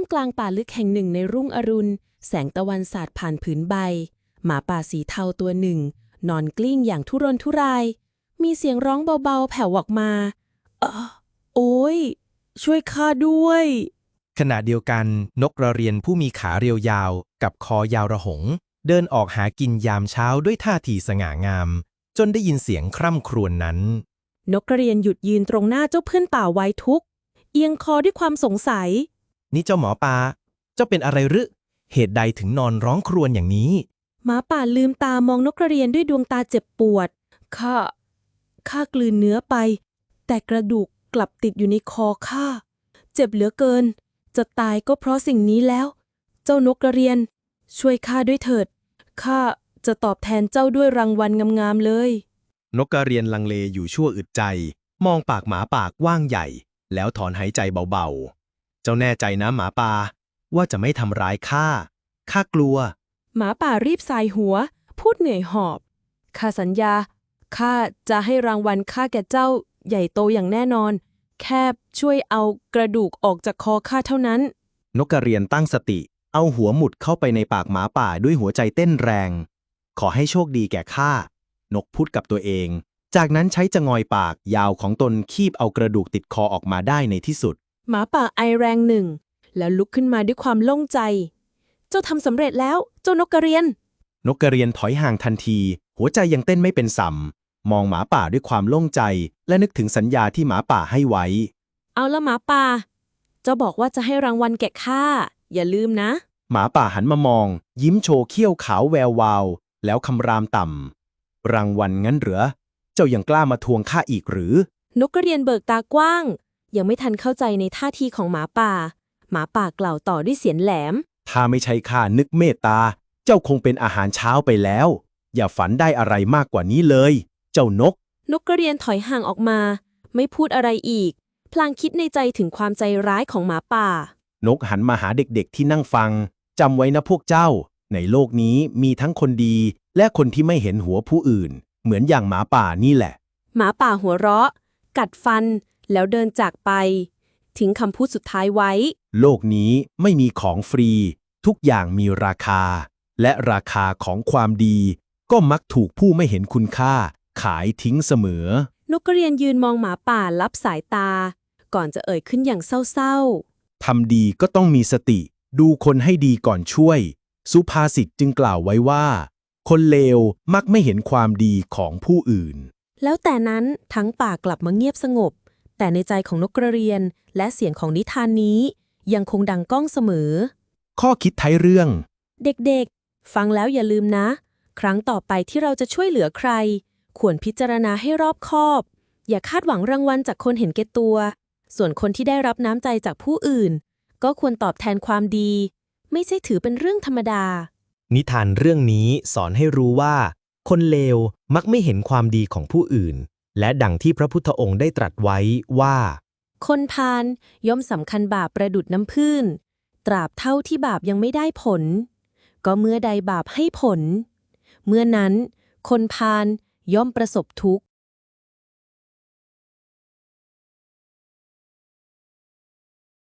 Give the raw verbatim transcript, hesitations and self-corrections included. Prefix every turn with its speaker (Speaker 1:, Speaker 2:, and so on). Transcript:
Speaker 1: กลางป่าลึกแห่งหนึ่งในรุ่งอรุณแสงตะวันสาดผ่านผืนใบหมาป่าสีเทาตัวหนึ่งนอนกลิ้งอย่างทุรนทุรายมีเสียงร้องเบาๆแผ่วออกมาเออโอ้ยช่วยข้าด้วย
Speaker 2: ขณะเดียวกันนกกระเรียนผู้มีขาเรียวยาวกับคอยาวระหงเดินออกหากินยามเช้าด้วยท่าทีสง่างามจนได้ยินเสียงคร่ำครวญนั้น
Speaker 1: นกกระเรียนหยุดยืนตรงหน้าเจ้าเพื่อนป่าไว้ทุกข์เอียงคอด้วยความสงสัย
Speaker 2: นี่เจ้าหมอปลาเจ้าเป็นอะไรหรือเหตุใดถึงนอนร้องครวญอย่างนี้
Speaker 1: หมาป่าลืมตามองนกกระเรียนด้วยดวงตาเจ็บปวดข้าข้ากลืนเนื้อไปแต่กระดูกกลับติดอยู่ในคอข้าเจ็บเหลือเกินจะตายก็เพราะสิ่งนี้แล้วเจ้านกกระเรียนช่วยข้าด้วยเถิดข้าจะตอบแทนเจ้าด้วยรางวัลงามๆเลย
Speaker 2: นกกระเรียนลังเลอยู่ชั่วอึดใจมองปากหมาปากกว้างใหญ่แล้วถอนหายใจเบาๆเจ้าแน่ใจนะหมาป่าว่าจะไม่ทำร้ายข้าข้ากลัว
Speaker 1: หมาป่ารีบสายหัวพูดเหนื่อยหอบข้าสัญญาข้าจะให้รางวัลข้าแก่เจ้าใหญ่โตอย่างแน่นอนแค่ช่วยเอากระดูกออกจากคอข้าเท่านั้น
Speaker 2: นกกระเรียนตั้งสติเอาหัวหมุดเข้าไปในปากหมาป่าด้วยหัวใจเต้นแรงขอให้โชคดีแก่ข้านกพูดกับตัวเองจากนั้นใช้จงอยปากยาวของตนคีบเอากระดูกติดคอออกมาได้ในที่สุด
Speaker 1: หมาป่าไอแรงหนึ่งแล้วลุกขึ้นมาด้วยความโล่งใจเจ้าทำสำเร็จแล้วเจ้านกกระเรียน
Speaker 2: นกกระเรียนถอยห่างทันทีหัวใจยังเต้นไม่เป็นสัมมองหมาป่าด้วยความโล่งใจและนึกถึงสัญญาที่หมาป่าให้ไว้
Speaker 1: เอาละหมาป่าเจ้าบอกว่าจะให้รางวัลแก่ข้าอย่าลืมนะ
Speaker 2: หมาป่าหันมามองยิ้มโชว์เขี้ยวขาวแวววาวแล้วคำรามต่ำรางวัลงั้นเหรอเจ้ายังกล้ามาทวงข้าอีกหรือน
Speaker 1: กกระเรียนเบิกตากว้างยังไม่ทันเข้าใจในท่าทีของหมาป่าหมาป่ากล่าวต่อด้วยเสียงแหลม
Speaker 2: ถ้าไม่ใช่ข้านึกเมตตาเจ้าคงเป็นอาหารเช้าไปแล้วอย่าฝันได้อะไรมากกว่านี้เลยเจ้านก
Speaker 1: นกกระเรียนถอยห่างออกมาไม่พูดอะไรอีกพลางคิดในใจถึงความใจร้ายของหมาป่าน
Speaker 2: กหันมาหาเด็กๆที่นั่งฟังจำไว้นะพวกเจ้าในโลกนี้มีทั้งคนดีและคนที่ไม่เห็นหัวผู้อื่นเหมือนอย่างหมาป่านี่แหละ
Speaker 1: หมาป่าหัวเราะกัดฟันแล้วเดินจากไปทิ้งคำพูดสุดท้ายไว้
Speaker 2: โลกนี้ไม่มีของฟรีทุกอย่างมีราคาและราคาของความดีก็มักถูกผู้ไม่เห็นคุณค่าขายทิ้งเสมอน
Speaker 1: กกระเรียนยืนมองหมาป่าลับสายตาก่อนจะเอ่ยขึ้นอย่างเศร้า
Speaker 2: ๆทำดีก็ต้องมีสติดูคนให้ดีก่อนช่วยสุภาษิตจึงกล่าวไว้ว่าคนเลวมักไม่เห็นความดีของผู้อื่น
Speaker 1: แล้วแต่นั้นทั้งป่ากลับมาเงียบสงบแต่ในใจของนกกระเรียนและเสียงของนิทานนี้ยังคงดังก้องเสมอ
Speaker 2: ข้อคิดท้ายเรื่อง
Speaker 1: เด็กๆฟังแล้วอย่าลืมนะครั้งต่อไปที่เราจะช่วยเหลือใครควรพิจารณาให้รอบคอบอย่าคาดหวังรางวัลจากคนเห็นแก่ตัวส่วนคนที่ได้รับน้ำใจจากผู้อื่นก็ควรตอบแทนความดีไม่ใช่ถือเป็นเรื่องธรรมดา
Speaker 2: นิทานเรื่องนี้สอนให้รู้ว่าคนเลวมักไม่เห็นความดีของผู้อื่นและดังที่พระพุทธองค์ได้ตรัสไว้ว่า
Speaker 1: คนพาลย่อมสำคัญบาปประดุจน้ำผึ้งตราบเท่าที่บาปยังไม่ได้ผลก็เมื่อใดบาปให้ผลเมื่อนั้นคนพาลย่อมประสบทุกข์